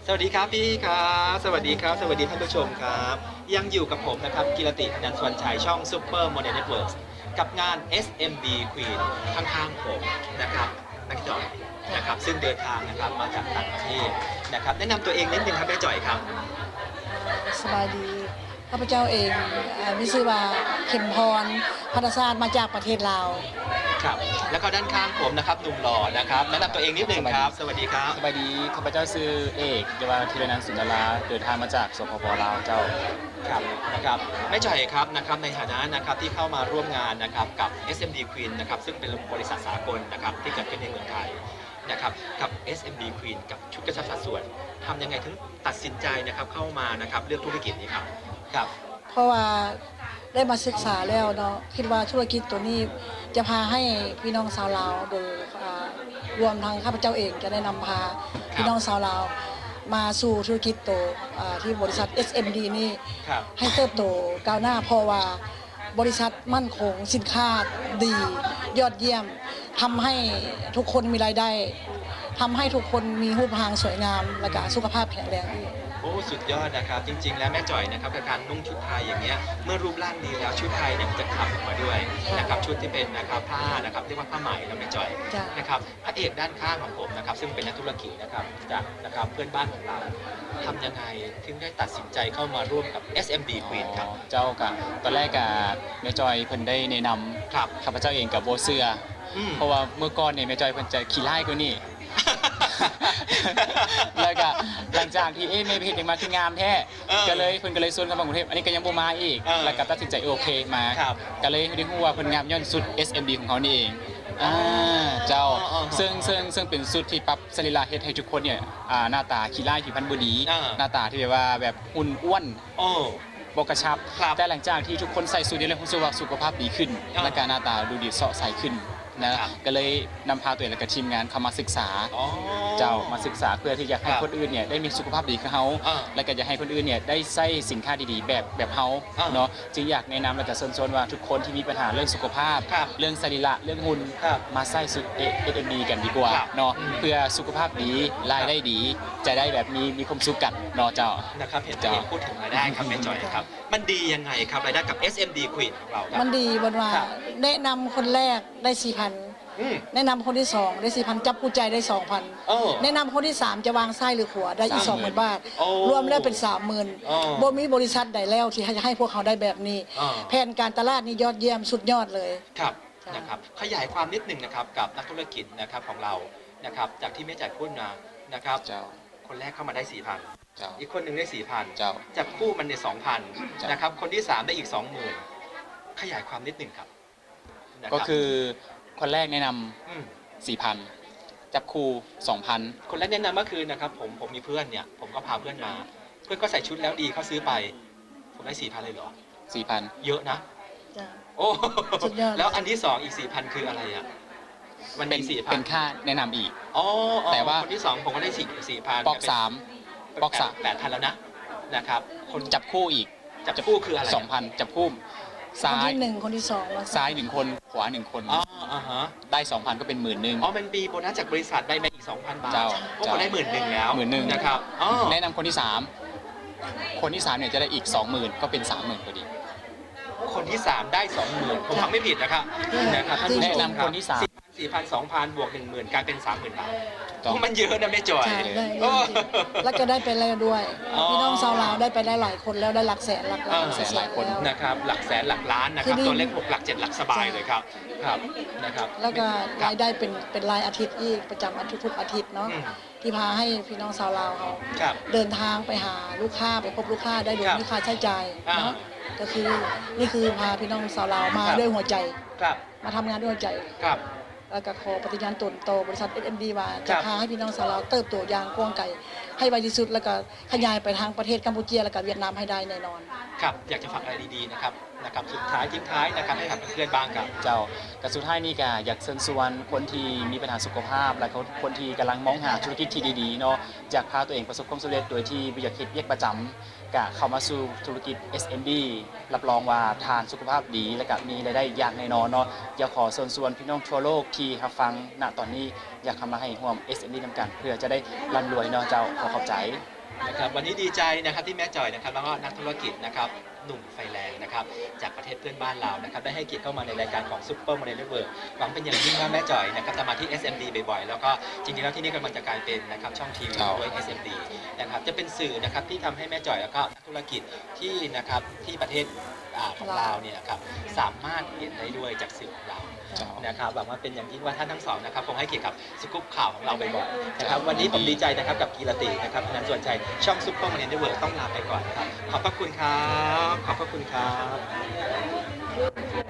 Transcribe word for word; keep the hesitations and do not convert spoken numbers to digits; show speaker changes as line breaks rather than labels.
สวัสดีครับพี่ครับสวัสดีครับสวัสดีท่านผู้ชมครับยังอยู่กับผมนะครับกิรติอนันต์สวรรณชัยช่อง Super Model Networks กับงาน เอส เอ็ม ดี Queen ข้างๆผมนะครับนักจ่อยนะครับซึ่งเดินทางนะครับมาจากต่างประเทศนะครับแนะนำตัวเองนิดนึงครับแม่จ่อยครับ
สบายดีข้าพเจ้าเองมิชื่อว่าเข็มพรพัฒศาสตร์มาจากประเทศลาว
ครับแล้วก็ด้านข้างผมนะครับหนุ่มหล่อนะครับแนะนำตัวเองนิดนึงครับสวัสดีครับ
สบายดีข้าพเจ้าชื่อเอกเยาวธีรนันท์สุนทราเดินทางมาจากสปปลาวเจ้า
ครับนะครับแม่จ่อยครับนะครับในฐานะนะครับที่เข้ามาร่วมงานนะครับกับ เอส เอ็ม ดี Queen นะครับซึ่งเป็นบริษัทสากลนะครับที่เกิดขึ้นในเมืองไทยนะครับกับ เอส เอ็ม ดี Queen กับชุดกระชับสัดส่วนทำยังไงถึงตัดสินใจนะครับเข้ามานะครับเลือกธุรกิจนี้ครับครับ
เพราะว่าได้มาศึกษาแล้วเนาะคิดว่าธุรกิจตัวนี้จะพาให้พี่น้องชาวลาวโดยรวมทั้งข้าพเจ้าเองจะได้นำพาพี่น้องชาวลาวมาสู่ธุรกิจโตที่บริษัท เอส เอ็ม ดี นี่ให้เติบโตก้าวหน้าเพราะว่าบริษัทมั่นคงสินค้าดียอดเยี่ยมทำให้ทุกคนมีรายได้ทำให้ทุกคนมีรูปร่างสวยงามและก็สุขภาพแข็งแรงดี
โอ้สุดยอดนะครับจริงๆแล้วแม่จ่อยนะครับกับการนุ่งชุดไทยอย่างเงี้ยเมื่อรูปร่างดีแล้วชุดไทยเนี่ยมันจะขับออกมาด้วยนะครับชุดที่เป็นนะครับผ้านะครับเรียกว่าผ้าไหมแล้วแม่จ่อยนะครับพระเอกด้านข้างของผมนะครับซึ่งเป็นนักธุรกิจนะครับจากนะครับเพื่อนบ้านของเราทำยังไงถึงได้ตัดสินใจเข้ามาร่วมกับ เอส เอ็ม ดี Queen ครับ
เจ้ากะตอนแรกกะแม่จอยเพิ่นได้แนะนำ
ครับ
ข้าพเจ้าเองกับโบเสือเพราะว่าเมื่อก่อนเนี่ยแม่จอยเพิ่นจะขี้ไล่กว่านี่แล้วก็หลังจากที่เอ๊ะไม่เห็นยังมาที่งามแท้ก็เลยเพิ่นก็เลยชวนเข้ามากรุงเทพอันนี้ก็ยังบ่มาอีกแล้วก็ตัดสินใจโอเคมาก็เลยได้ฮู้ว่าเพิ่นงามย้อนสุด เอส เอ็ม ดี ของเขานี่เองอ่าเจ้าซึ่งซึ่งซึ่งเป็นสุดที่ปรับสรีระเฮ็ดให้ทุกคนเนี่ยอ่าหน้าตาขี้ไล่ผิวพรรณบ่ดีหน้าตาที่แบบว่าแบบหุ่นอ้วนบ่กระชับแต่หลังจากที่ทุกคนใส่สูทนี้แล้วรู้สึกว่าสุขภาพดีขึ้นและก็หน้าตาดูดีเสาะใสขึ้นนะก็เลยนำพาตัวเองและก็ทีมงานเข้ามาศึกษาเจ้ามาศึกษาเพื่อที่จะให้คนอื่นเนี่ยได้มีสุขภาพดีกับเขาและก็จะให้คนอื่นเนี่ยได้ใช้สินค้าดีๆแบบแบบเขาเนาะจึงอยากแนะนำและก็เชิญชวนว่าทุกคนที่มีปัญหาเรื่องสุขภาพเรื่องสรีระเรื่องหุ่นมาใช้สุด เอ เอส เอ็ม ดี กันดีกว่าเนาะเพื่อสุขภาพดีรายได้ดีจะได้แบบมีมีความสุขกันเนาะเจ้า
นะครับเห็นจะพูดถึงรายได้ครับแม่จอยครับมันดียังไงครับรายได้กับ เอส เอ็ม ดี Queen ของเรา
มันดีบนว่าแนะนำคนแรกได้ สี่พัน แนะนำคนที่สองได้ สี่พัน จับกู้ใจได้ สองพัน แนะนำคนที่สามจะวางไส้หรือขวาได้อีก สองหมื่น บาทรวมแล้วเป็น สามหมื่น บ่มีบริษัทใดแล้วที่จะให้พวกเขาได้แบบนี้แผนการตลาดนี่ยอดเยี่ยมสุดยอดเลย
ครับนะครับขยายความนิดนึงนะครับกับนักธุรกิจนะครับของเรานะครับจากที่แม่จ่ายพูดมานะครับคนแรกเข้ามาได้ สี่พัน อีกคนหนึ่งได้ สี่พัน จับคู่มันใน สองพัน นะครับคนที่สามได้อีก สองหมื่น ขยายความนิดนึงครับ
ก็คือคนแรกแนะนำ สี่พัน จับคู่ สองพัน
คนแรกแนะนำก็คือนะครับผมผมมีเพื่อนเนี่ยผมก็พาเพื่อนมาเพื่อนก็ใส่ชุดแล้วดีเขาซื้อไปผมได้ สี่พัน เลยเหรอ
สี่พัน
เยอะนะโอ้แล้วอันที่สองอีก สี่พัน คืออะไรอ่ะมันมี สี่พัน
เป็นค่าแนะนำอีก
อ๋อ
แต่ว่า
คนที่สองผมก็ได้ สี่พัน
ปอกสามปอกสาม
แปดพัน แล้วนะนะครับ
คนจับคู่อีก
จับคู่คืออะไร
สองพัน จับคู่
ซ้ายหนึ่งคนที่สอง
ซ้ายหนึ่งคนขวาหนึ่งคน
อ๋ออ่าฮะ
ได้ สองพัน ก็เป็นหมื่นหนึ่ง
อ๋อมันมีโบนัสจากบริษัทได้มาอีก สองพัน บาทก็ได้หมื่นหนึ่งแล้ว
หมื่นหนึ่ง
นะครับ
แนะนำคนที่สามคนที่สามเนี่ยจะได้อีก สองหมื่น ก็เป็น สามหมื่นพอดี
คนที่สามได้ สองหมื่น ผมฟังไม่ผิดนะครับนะครับ
แนะนำคนที่สาม
สี่พัน สองพัน บวก หนึ่งหมื่น กลายเป็น สามหมื่น บาทมันเยอะนะแม่จอย
แล้วก็ได้ไปแล้วด้วยพี่น้องชาวลาวได้ไปได้หลายคนแล้วได้หลักแสนหลักล้าน
แสนหลายคน
นะครับหลักแสนหลักล้านนะครับตัวเลขหกหลักเจ็ดหลักสบายเลยครับครับนะครับ
แล้วก็รายได้เป็นเป็นรายอาทิตย์อีกประจำอาทิตย์ทุกอาทิตย์เนาะที่พาให้พี่น้องชาวลาวเขาเดินทางไปหาลูกค้าไปพบลูกค้าได้โดยไม่ค่าใช้จ่ายเนาะก็คือนี่คือพาพี่น้องชาวลาวมาด้วยหัวใจมาทำงานด้วยหัวใจแล้วก็ขอปฏิญาณตนต่อบริษัท เอส เอ็ม ดี ว่าจะพาให้พี่น้องชาวลาวเติบโตอย่างกว้างไกลให้ไวที่สุดแล้วก็ขยายไปทางประเทศกัมพูชาและก็เวียดนามให้ได้แน่นอน
ครับอยากจะฝากอะไรดีๆนะครับนะครับสุดท้ายทิ้งท้ายนะครับให้กับเพื่อนบ้างครับ
เจ้ากับสุดท้ายนี่ก็อยากเชิญชวนคนที่มีปัญหาสุขภาพและคนที่กำลังมองหาธุรกิจที่ดีๆเนาะอยากพาตัวเองประสบความสำเร็จโดยที่ไม่อยากคิดเรียกประจำก็เข้ามาสู่ธุรกิจ เอส เอ็ม ดี รับรองว่าทานสุขภาพดีและก็มีรายได้อย่างแน่นอนเนาะอยากขอเชิญชวนพี่น้องทั่วโลกที่รับฟังณตอนนี้อยากเข้ามาให้ร่วม เอส เอ็ม ดี นำกันเพื่อจะได้ร่ำรวยเนาะเจ้าขอขอบใจ
นะครับวันนี้ดีใจนะครับที่แม่จ่อยนะครับแล้วก็นักธุรกิจนะครับหนุ่มไฟแรงนะครับจากประเทศเพื่อนบ้านเรานะครับได้ให้เกียรติเข้ามาในรายการของซุปเปอร์โมเดลเวิร์กหวังเป็นอย่างยิ่งว่าแม่จ่อยนะครับจะมาที่ เอส เอ็ม ดี บ่อยๆแล้วก็จริงๆแล้วที่นี่กำลังจะกลายเป็นนะครับช่องทีวีด้วย เอส เอ็ม ดี นะครับจะเป็นสื่อนะครับที่ทำให้แม่จ่อยแล้วก็นักธุรกิจที่นะครับที่ประเทศอ่าของเราเนี่ยครับสามารถเรียนได้ด้วยจากสื่อของเรานะครับหวังว่าเป็นอย่างยิ่งว่าท่านทั้งสองนะครับคงให้เกียรติกับสกู๊ปข่าวของเราบ่อยๆนะครับวันนี้ผมดีใจนะครับกับกีรตินะครับนันส่วนใจช่องซุปเปอร์โมเดลเวิร์กต้องลาไปก่อนครับขอบพระคุณครับขอบพระคุณครับ